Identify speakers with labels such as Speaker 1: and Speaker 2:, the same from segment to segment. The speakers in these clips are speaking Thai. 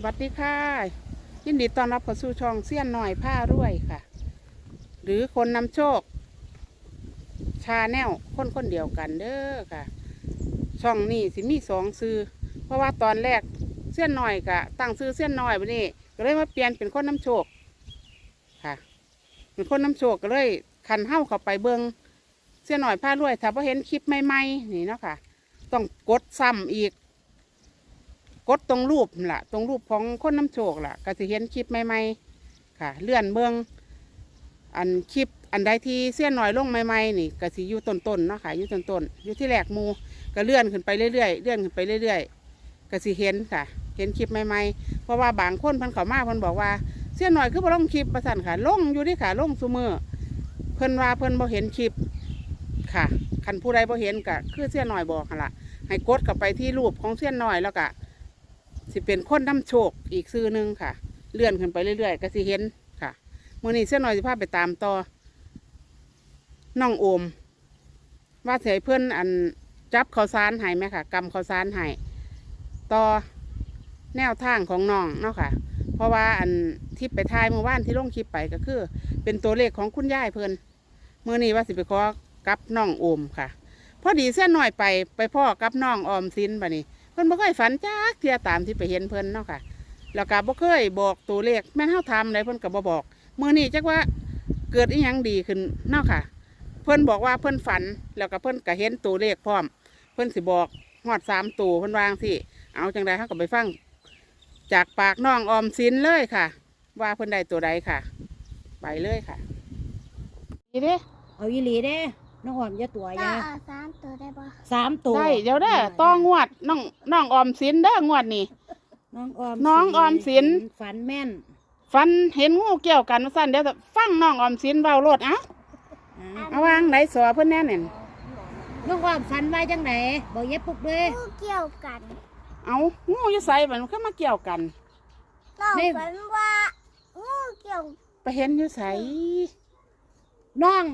Speaker 1: วัสดีค่ะยินดีต้อนรับเข้าสู่ช่องเสี้ยนหน่อยผ้ารวยค่ะหรือคนนำโชคชาแนลคนเดียวกันเด้อค่ะช่องนี้สิมี2 ซื้อเพราะว่าตอนแรกเสี้ยนหน่อยกะตั้งซื้อเสี้ยนหน่อยวันนี้ก็เลยมาเปลี่ยนเป็นคนนำโชคค่ะเป็นคนนำโชคก็เลยคันเข้าเข้าไปเบิงเสี้ยนหน่อยผ้ารวยถ้าพอเห็นคลิปใหม่ๆนี่เนาะค่ะต้องกดซ้ำอีกกดตรงรูปล่ะตรงรูปของคนน้ำโชคล่ะก็จะเห็นคลิปใหม่ๆค่ะเลื่อนเบื้องอันคลิปอันใดที่เสี้ยนหน่อยลงใหม่ๆนี่ก็สิอยู่ต้นๆเนาะค่ะอยู่ต้นๆอยู่ที่แหลกมูก็เลื่อนขึ้นไปเรื่อยๆเลื่อนขึ้นไปเรื่อยๆก็สิเห็นค่ะเห็นคลิปใหม่ๆเพราะว่าบางคนเพิ่นเข้ามาเพิ่นบอกว่าเสี้ยนหน่อยคือบ่ลงคลิปประสันค่ะลงอยู่ที่ค่ะลงซุมื้อเพิ่นว่าเพิ่นบ่เห็นคลิปค่ะคันผู้ใดบ่เห็นก็คือเสี้ยนหน่อยบอกหั่นล่ะให้กดกลับไปที่รูปของเสี้ยนหน่อยแล้วก็สิเป็นคนนำโชคอีกซื้อหนึ่งค่ะเลื่อนขึ้นไปเรื่อยๆก็สิเห็นค่ะมื่อนี้เส้นหน่อยสิพาไปตามต่อน้องโอมว่าเสียเพื่อนอันจับข้าวสารให้ไหมค่ะกำข้าวสารให้ต่อแนวทางของน้องเนาะค่ะเพราะว่าอันที่ไปทายเมื่อวานที่ลงคลิปไปก็คือเป็นตัวเลขของคุณยายเพื่อนเมื่อนี้ว่าสิไปขอกับน้องโอมค่ะพอดีเส้นหน่อยไปพ่อกับน้องออมสินบ่นี้เพิ่นบ่เคยฝันจักเที่ยตามที่ไปเห็นเพิ่นเนาะค่ะแล้วก็บ่เคยบอกตัวเลขแม่นเฮาทำได้เพิ่นก็บ่บอกมื้อนี้จักว่าเกิดอีหยังดีขึ้นเนาะค่ะเพิ่นบอกว่าเพิ่นฝันแล้วก็เพิ่นก็เห็นตัวเลขพร้อมเพิ่นสิบอกฮอด3 ตัวเพิ่นวางสิเอาจังได๋เฮาก็ไปฟังจากปากน้องออมสินเลยค่ะว่าเพิ่นได้ตัวใดค่ะไปเลยค่ะนี่เด้
Speaker 2: เอาอีหลีเด้น้องออมอย่าตัว
Speaker 3: ก็
Speaker 2: ยา
Speaker 3: เอา3 ตัวได้ปะ
Speaker 2: 3 ตัว
Speaker 1: ได้เดี๋ยวเด้อต้องวดน้องออมสินเด้องวดนี่
Speaker 2: น้องออม
Speaker 1: สิน
Speaker 2: ฝันแม่น
Speaker 1: ฟันเห็นงูเกี่ยวกันว่าสั้นเดี๋ยวฟังน้องออมสินเบาโลดเอาวางไหนสอเพื่อนแน่เนี่ย
Speaker 2: น้องออมฝันว่าจังไหนบอกเย็บปุกเลย
Speaker 3: งูเกี่ยวกัน
Speaker 1: เอางูอยู่ใส่มันเข้ามาเกี่ยวกัน
Speaker 3: น้องฝันว่างูเกี่ยว
Speaker 1: ไปเห็นอยู่ใส่
Speaker 2: น้อง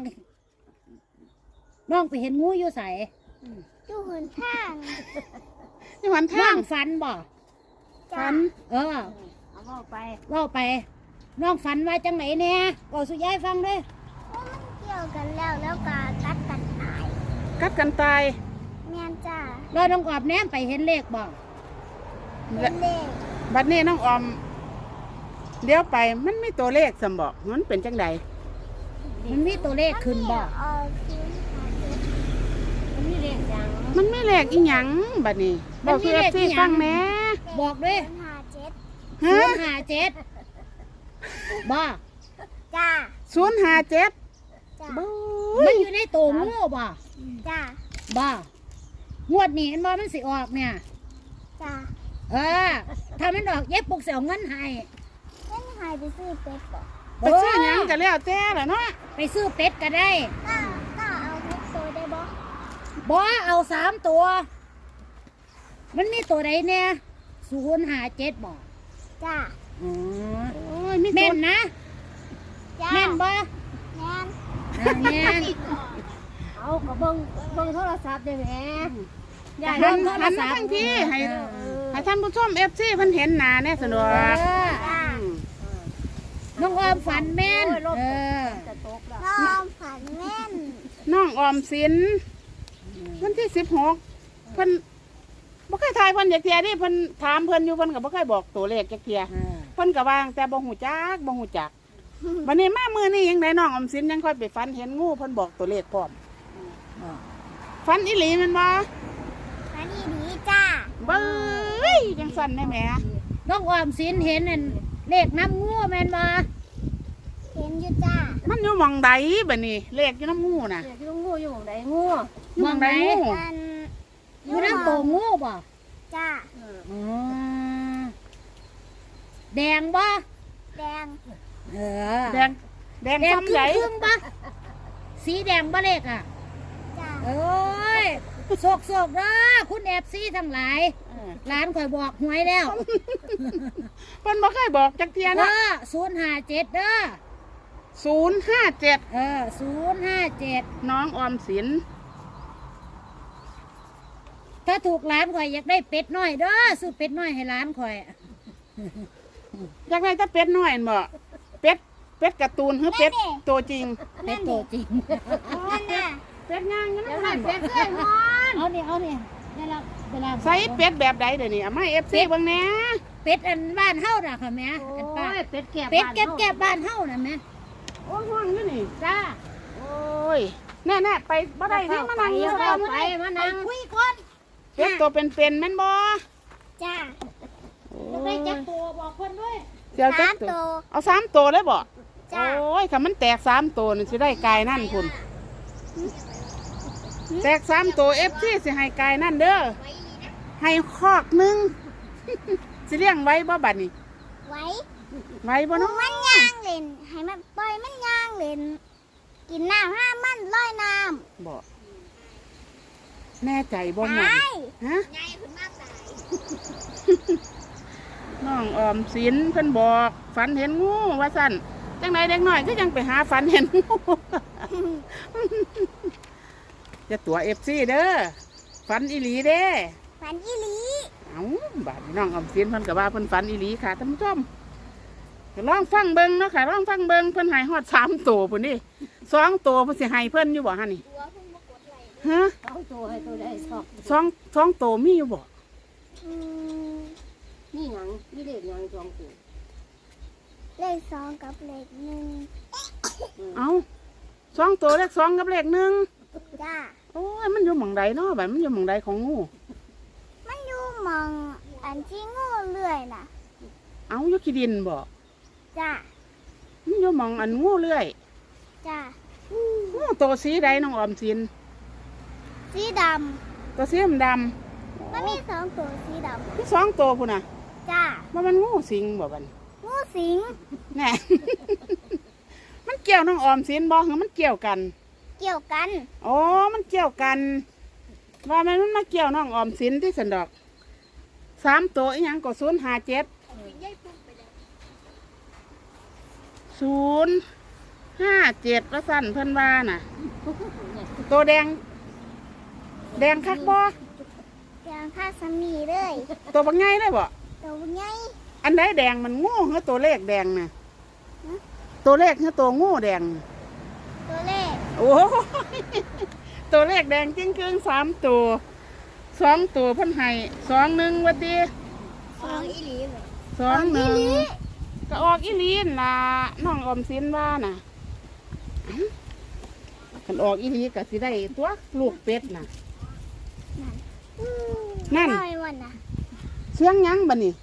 Speaker 2: ไปเห็นงูอยู่ใส่
Speaker 3: อยู่หนทาง
Speaker 1: ที่วัน
Speaker 2: น้
Speaker 1: ทา
Speaker 2: อง งฝันบ่
Speaker 1: ฟัน
Speaker 2: เล่าไปน้องฝันว่าจังไหนเนี่ยบอกสุยายฟังด้วย
Speaker 3: ว่ามันเกี่ยวกันแล้วก็กัดกันตาย
Speaker 1: กัดกันตาย
Speaker 3: แม่นจ้า
Speaker 2: เราน้องออมแนมไปเห็นเลขบ่
Speaker 3: เป็นเลข
Speaker 1: บัดนี้น้องออมเดี๋ยวไปมันไม่ตัวเลขสมบอกมันเป็นจังใด
Speaker 2: มันมีตัวเลขขึ้นบ่
Speaker 3: เอาคืนหาเจ็ด
Speaker 2: มันมีเลขยัง
Speaker 1: มันไม่เลขอีหยังบัดนี้บอกคือที่ฟังแหน่
Speaker 2: บอกด้วย
Speaker 3: 057
Speaker 1: ฮะ
Speaker 2: 057บ่
Speaker 3: จ้า
Speaker 1: 057
Speaker 3: จ้า
Speaker 2: มันอยู่ในตัวงูบ่
Speaker 3: จ้า
Speaker 2: บ่งวดนี้เห็นบ่มันสิออกเนี่ย
Speaker 3: จ้า
Speaker 2: ถ้ามันออกเย็บปุกเสียเงินให้
Speaker 3: เล่นหายไปซื้อเป็ดก่อน
Speaker 1: ไปซื้อหยังกันแล้วแต่ละเนาะ
Speaker 2: ไปซื้อเป็ดก็ได้
Speaker 3: ก็เอา6 ตัวได้บ่
Speaker 2: บ่เอา3 ตัว มันมีตัวใดเนี่ย057บ่
Speaker 3: จ้า
Speaker 2: อ๋อ
Speaker 1: โอ้ยมี
Speaker 2: แม่
Speaker 1: ตัวน
Speaker 2: นะ
Speaker 3: จ้า
Speaker 2: แม่นบ่
Speaker 3: แม่น
Speaker 2: แม่น
Speaker 3: เอาก็เบิ่งโทรศัพท์ได้แหม
Speaker 2: อย่า
Speaker 1: หั
Speaker 2: เล่
Speaker 1: น
Speaker 2: นโทร
Speaker 1: หัน
Speaker 2: ศั
Speaker 1: มา
Speaker 2: พท์
Speaker 1: ทั้งที่ให้ท่านผู้ชมFCเพิ่นเห็นหน้าแน่สนุก
Speaker 3: จ้า
Speaker 2: น้องออมฝันแม่น
Speaker 3: น้องฝันแม่น
Speaker 1: น้องออมสินวันที่16เพิ่นบ่เคยทายเพิ่นจักเที่ยนี่เพิ่นถามเพิ่นอยู่เพิ่นก็บ่เคยบอกตัวเลขจักเที่ยเพิ่นก็วางแต่บ่ฮู้จักบัดนี้มามื้อนี้ยังไดน้องออมสินยังค่อยไปฝันเห็นงูเพิ่นบอกตัวเลขพร้อมฝันอีหลีแม่นบ่
Speaker 3: ฝันดีจ้า
Speaker 1: เบ้ยจังสั่นได้แหม
Speaker 2: น้องออมสินเห็นนั่นเลขน้ำงูแม่นบ่
Speaker 3: เห็นอยู่จ้า
Speaker 1: มันอยู่หม่องใดบัดนี้เลขอยู่น้ำงูน่ะ
Speaker 2: งูอยู่หม่องใดงู
Speaker 1: อยู่หม่องใดงู
Speaker 3: มัน
Speaker 2: อยู่น้ำตัวงูบ่
Speaker 3: จ้า
Speaker 2: อ๋อแดงบ่
Speaker 3: แดง
Speaker 1: แดง
Speaker 2: แดง
Speaker 1: ซ้ำใหญ่
Speaker 2: ครึ่งบ่สีแดงบ่เลขอ่ะ
Speaker 3: จ้า
Speaker 2: โอ้ยโศกเด้อคุณFCทั้งหลายร้านข่อยบอกหวยแล้ว
Speaker 1: เพิ่นบ่เคยบอกจักเที่ยนะ
Speaker 2: 057เด้อ
Speaker 1: 057
Speaker 2: 057
Speaker 1: น้องออมสิน
Speaker 2: ถ้าถูกร้านข่อยอยากได้เป็ดน้อยเด้อซื้อเป็ดน้อยให้ร้านข่อย
Speaker 1: อยากได้แต่เป็ดน้อยนั่นบ่เป็ดการ์ตูนหรือเป็ดตัวจริง
Speaker 2: เป็นตัวจริง
Speaker 3: นั่นน่ะ
Speaker 1: เป็ดย่างกันนั่นบ่
Speaker 2: เอาเนี่ยเวลา
Speaker 1: ใส่เป็ดแบบใดเดี๋ยวนี้เอามา FC เบิ่งแหน่
Speaker 2: เป็ดอันบ้านเฮาน่ะค่ะแม่อันป้า
Speaker 3: เป็ดแก่
Speaker 2: เป็ดแก็บบ้านเฮาน่ะแม่
Speaker 1: โอ้ห้องอยู่นี่
Speaker 2: จ้า
Speaker 1: โอ้ยแน่ๆไปบ่ได้นี่มานั่งอยู่
Speaker 2: ไป
Speaker 1: ก่อน
Speaker 2: มานั่งคุยก่อน
Speaker 1: เป็ดตัวเป็นๆแม่นบ่
Speaker 3: จ้า
Speaker 2: จะได้จักตัวบอกคนด้วย
Speaker 1: เดี๋ยวจัก
Speaker 3: 3 ตัว
Speaker 1: เอา3ตัวเลยบ่
Speaker 3: จ้า
Speaker 1: โอ้ยถ้ามันแตก3ตัวนี่สิได้กายนั่นพุ่นแตก3ตัว FC สิให้กายนั่นเด้อให้คอกหนึง สิเลี้ยงไว้บ่บัดนี้
Speaker 3: ไว้
Speaker 1: ไว้บ่เนาะ
Speaker 3: มันย่างเล่นให้มันปล่อยมันย่างเล่นกินน้ำห้ามมันลอยน้
Speaker 1: บ่แน่ใจบ่
Speaker 3: ำ
Speaker 1: หมด
Speaker 3: ตาย
Speaker 1: ฮะ
Speaker 3: ไงคุณมาตาย
Speaker 1: น้องออมสินเพิ่นบอกฝันเห็นงูว่าสั่นจังไหนเด็กน้อยก็ยังไปหาฝันเห็นงู จะตัว FC เด้อฝันอีหลีเด้
Speaker 3: ฝันอีหลี
Speaker 1: เอ้าบาดนี้น้องออมสินเพิ่นก็ว่าเพิ่นฝันอีหลีค่ะท่านผู้ชมก็ลองฟังเบิ่งเนาะค่ะลองฟังเบิ่งเพิ่นให้ฮอด3ตัวพุ่นนี่2ตัวเพิ่นสิให้เพิ่นอยู่บ่ฮะนี่
Speaker 3: ตัวเพิ่งมากดไหล
Speaker 1: ฮะ
Speaker 2: เอาตัวให้ตัวได้สอบ
Speaker 1: สองตัวมีอยู่บ่
Speaker 3: อืม
Speaker 2: นี่หยังนี่เด็กหยังจองตัว
Speaker 3: เลข2กับเลข1
Speaker 1: เอ้า2ตัวเลข2กับเลข1
Speaker 3: จ้า
Speaker 1: โอ้ยมันอยู่หม่องใดเนาะบัดมันอยู่หม่องใดของงู
Speaker 3: มันอยู่หมองอันที่งูเลื่อยน่ะ
Speaker 1: เอ้าอยู่ขี้ดินบ่
Speaker 3: จ้า
Speaker 1: มันอยู่หม่องอันงูเลื่อย
Speaker 3: จ้า
Speaker 1: งูตัวสีใดน้องออมสิน
Speaker 3: สีด
Speaker 1: ตัวสีดำ
Speaker 3: ำมันมี2ตัวสีด
Speaker 1: ที่สองตัวพุ่นน่ะ
Speaker 3: ำจ้า
Speaker 1: ว่ามันงูสิงบ่บัด
Speaker 3: งูสิง
Speaker 1: แน่ มันเกี่ยวน้องออมสินบ่หรือมันเกี่ยวกัน
Speaker 3: เกี่ยวกัน
Speaker 1: อ๋อมันเกี่ยวกัน ว่ามันมาเกี่ยวน้องออมสินที่สันดอก3ตัวอีหยังก็057 057ว่าสั่นเพิ่นว่าน่ะ ตัวแดงคักบ่
Speaker 3: อย่างข้าสามีเลย
Speaker 1: ตัวบักใหญ่เลยบ่
Speaker 3: ตัวใหญ่
Speaker 1: อันใดแดงมันงูหรือตัวเลขแดงน่ะตัวเลขหรือตัวงูแดง
Speaker 3: ตัวเลข
Speaker 1: โอ้ยตัวเลขแดงจริงครึ่ง3ตัว2ตัวเพิ่นให้21ว่าติ
Speaker 3: 2อีหลีเลย
Speaker 1: 21ก็ออกอีหลีนล่ะน้องออมสินว่าน่ะคันออกอีหลีก็สิได้ตัวลูกเป็ดน่ะ นั่น
Speaker 3: น้อยวันน่ะ
Speaker 1: เสียงหยังบัดนี้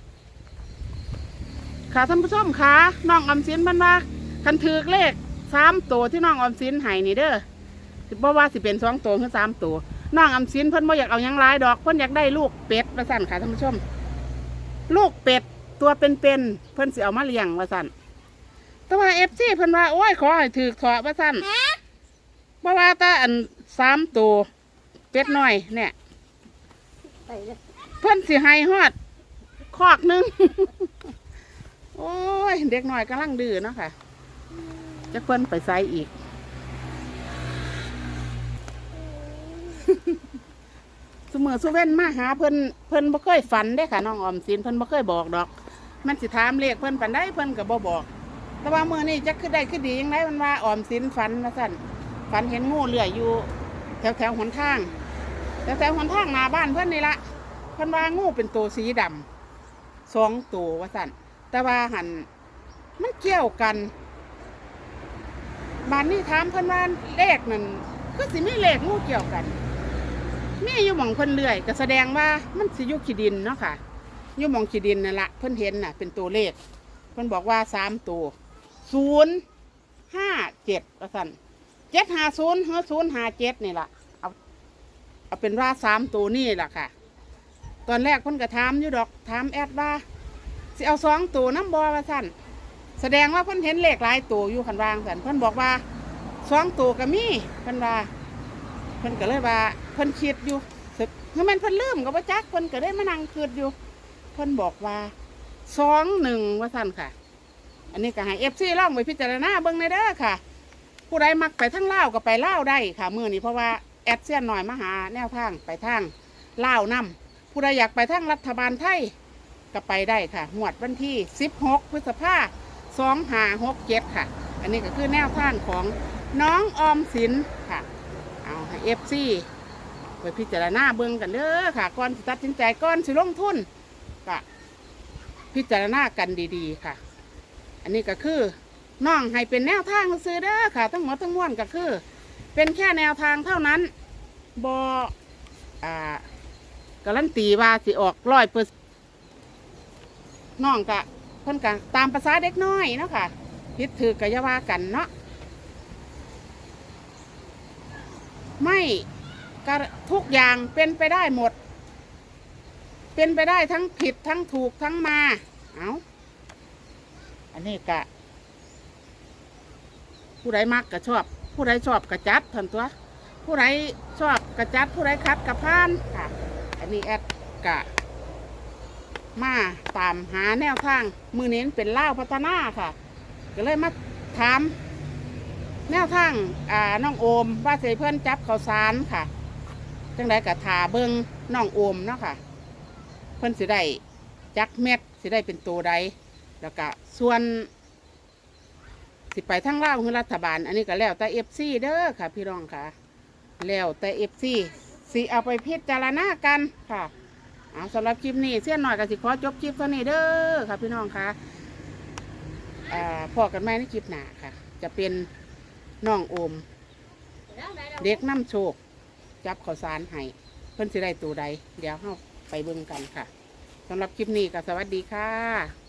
Speaker 1: ค่ะท่านผู้ชมค่ะน้องออมสินเพิ่นว่าคันถือเลข3ตัวที่น้องออมสินให้นี่เด้อสิบ่ว่าสิเป็น2ตัวหรือ3ตัวน้องออมสินเพิ่นบ่อยากเอาหยังหลายดอกเพิ่นอยากได้ลูกเป็ดว่าซั่นค่ะท่านผู้ชม ลูกเป็ดตัวเป็นๆเพิ่นสิเอามาเลี้ยงว่าซั่นแต่ว่า FC เพิ่นว่าโอ้ยขอให้ถือขอว่าซั่นบ่ว่าแต่อัน3ตัวเป็ดน้อยเนี่ย
Speaker 2: ไปเลย
Speaker 1: เพิ่นสิให้ฮอดคอกหนึง โอ้ยเด็กน้อยกำลังดื้อเนาะค่ะจะเพิ่นไปไสอีก สมือสุเว้นมาหาเพิ่นบ่เคยฝันได้ค่ะน้องออมสินเพิ่นบ่เคยบอกดอก มันสิถามเลขเพิ่นปานใดเพิ่นก็บ่บอก แต่ว่ามื้อนี้จักคือได้คือดีจังไดมันว่าออมสินฝันว่าซั่นฝันเห็นงูเลื้อยอยู่แถวหนทางแถวหนทางหน้าบ้านเพิ่นนี่ละเพิ่นว่างูเป็นตัวสีดำ2ตัวว่าซั่นแต่ว่าหันมันเกี่ยวกันบ้านนี้ถามเพิ่นว่าเลขนั่นคือสิมีเลขงูเกี่ยวกันมีอยู่หม่องเพิ่นเลื่อยก็แสดงว่ามันสิอยู่ขี้ดินเนาะค่ะอยู่หม่องขี้ดินนั่นละเพิ่นเห็นน่ะเป็นตัวเลขเพิ่นบอกว่า3ตัว057ว่าซั่น750หรือ057นี่ล่ะเอาเป็นว่า3ตัวนี่ล่ะค่ะตอนแรกเพิ่นก็ถามอยู่ดอกถามแอดว่าสิเอา2ตัวน้ำบ่ว่าซั่นแสดงว่าเพิ่นเห็นเลขหลายตัวอยู่คันวางซั่นเพิ่นบอกว่า2ตัวก็มีเพิ่นว่าเพิ่นก็เลยว่าเพิ่นคิดอยู่สึกคือมันเพิ่นลืมก็บ่จักเพิ่นก็ได้มานั่งคิดอยู่เพิ่นบอกว่า21ว่าซั่นค่ะ อันนี้ก็ให้ FC ลองไปพิจารณาเบิ่งในเด้อค่ะ ผู้ใดมักไปทางลาวก็ไปลาวได้ค่ะมื้อนี้เพราะว่าแอดเซียนหน่อยมาหาแนวทางไปทางลาวนํผู้ใดอยากไปทางรัฐบาลไทยก็ไปได้ค่ะหวดวันที่16พฤษภาคม2567ค่ะอันนี้ก็คือแนวทางของน้องออมสินค่ะเอาให้ FC ไปพิจารณาเบิ่งกันเด้อค่ะก่อนสิตัดสินใจก่อนสิลงทุนก็พิจารณากันดีๆค่ะอันนี้ก็คือน้องให้เป็นแนวทางซื้อเด้อค่ะทั้งหมดทั้งมวลก็คือเป็นแค่แนวทางเท่านั้นบ่การันตีว่าสิออก100%น้องกะเพิ่นกะตามภาษาเด็กน้อยเนาะค่ะผิดถือกะอย่าว่ากันเนาะไม่กะทุกอย่างเป็นไปได้หมดเป็นไปได้ทั้งผิดทั้งถูกทั้งมาเอาอันนี้กะผู้ใดมักกะชอบผู้ใดชอบกะจัดทันตัวผู้ใดชอบกะจัดผู้ใดคัดกะพานค่ะอันนี้แอดกะมาตามหาแนวทางมือเน้นเป็นเล่าวพัฒนาค่ะก็เลยมาถามแนวทางน้องโอมว่าสิเพื่อนจับข้าวสารค่ะจังไดกะถาเบิงน้องโอมเนาะค่ะเพื่อนสิได้จักเม็ดสิได้เป็นตัวใดแล้วก็ส่วนสิไปทั้งเล่าวคือรัฐบาลอันนี้ก็แล้วแต่FCเด้อค่ะพี่น้องค่ะแล้วแต่FCสิเอาไปพิจารณากันค่ะเอาสำหรับคลิปนี้เสี้ยนหน่อยก็สิขอจบคลิปเท่านี้เด้อค่ะพี่น้องค่ะพอกันไหมในคลิปหน้าค่ะจะเป็นน้องโอมเด็กน้ำโชคจับข้าวสารให้เพิ่นสิได้ตัวใดเดี๋ยวเราไปเบิ่งกันค่ะสำหรับคลิปนี้ก็สวัสดีค่ะ